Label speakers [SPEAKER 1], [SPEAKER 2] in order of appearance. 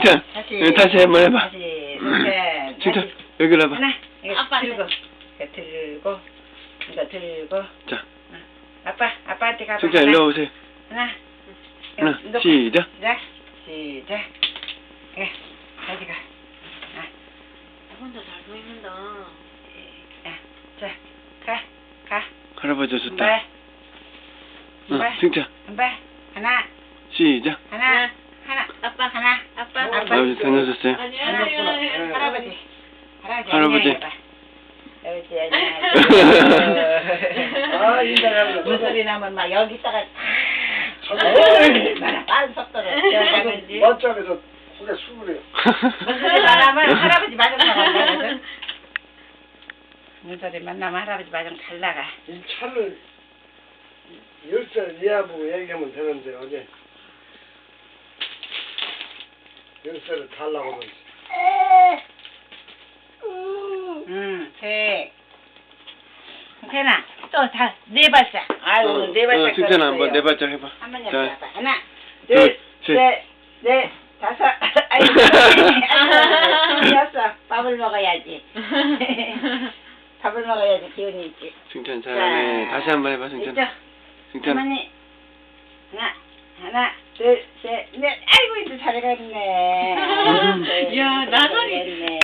[SPEAKER 1] 승찬, 다시 한번 해봐.
[SPEAKER 2] 다시,
[SPEAKER 1] 승찬, 여기로 와봐.
[SPEAKER 2] 하나, 이거
[SPEAKER 3] 아빠
[SPEAKER 2] 들고, 이거 들고, 이거 들고.
[SPEAKER 1] 자,
[SPEAKER 2] 아빠한테 가봐.
[SPEAKER 1] 승찬 일로 오세요.
[SPEAKER 2] 하나,
[SPEAKER 1] 하나,
[SPEAKER 2] 놓고.
[SPEAKER 1] 시작.
[SPEAKER 2] 시작. 예, 가지가.
[SPEAKER 3] 혼자 잘 보이는다.
[SPEAKER 2] 자, 가.
[SPEAKER 1] 할아버지
[SPEAKER 2] 한
[SPEAKER 1] 좋다.
[SPEAKER 2] 발,
[SPEAKER 1] 응, 승찬,
[SPEAKER 2] 한 발, 하나,
[SPEAKER 1] 시작.
[SPEAKER 2] 하나,
[SPEAKER 3] 아빠.
[SPEAKER 2] 하나,
[SPEAKER 3] 아빠.
[SPEAKER 1] 아버지 다녀오셨어요?
[SPEAKER 3] 아니,
[SPEAKER 2] 할아버지.
[SPEAKER 1] 할아버지.
[SPEAKER 2] 할아버지, 안녕하세요.
[SPEAKER 4] 아, 인사하는 거.
[SPEAKER 2] 무슨 소리 나면 막 여기다가 얼마나 빠른 속도로 뛰어가는지.
[SPEAKER 4] 멋쩍에서 고개 숙으래요.
[SPEAKER 2] 무슨 소리 나면 할아버지 마중 나간다. 무슨 소리 만나면 할아버지 마중 잘 나가.
[SPEAKER 4] 이 차를 열쇠를 이해하고 얘기하면 되는데 어제 열쇠를 달라고 그러지.
[SPEAKER 2] 태나 또 다 네 발짝. 아유 네 발짝.
[SPEAKER 1] 승찬아 한번 네 발짝 해봐.
[SPEAKER 2] 한번
[SPEAKER 1] 자,
[SPEAKER 2] 해봐. 하나,
[SPEAKER 1] 둘,
[SPEAKER 2] 둘,
[SPEAKER 1] 셋.
[SPEAKER 2] 셋, 넷, 다섯. 아이고, 됐어. 밥을 먹어야지. 밥을 먹어야지 기운이 있지.
[SPEAKER 1] 승찬 잘하네.
[SPEAKER 2] 자,
[SPEAKER 1] 다시 한번 해봐, 승찬.
[SPEAKER 2] 있죠?
[SPEAKER 1] 승찬.
[SPEAKER 2] 할머니. 하나, 둘, 셋, 넷. 아이고 이제 잘해갔네.
[SPEAKER 3] 야, 나선이.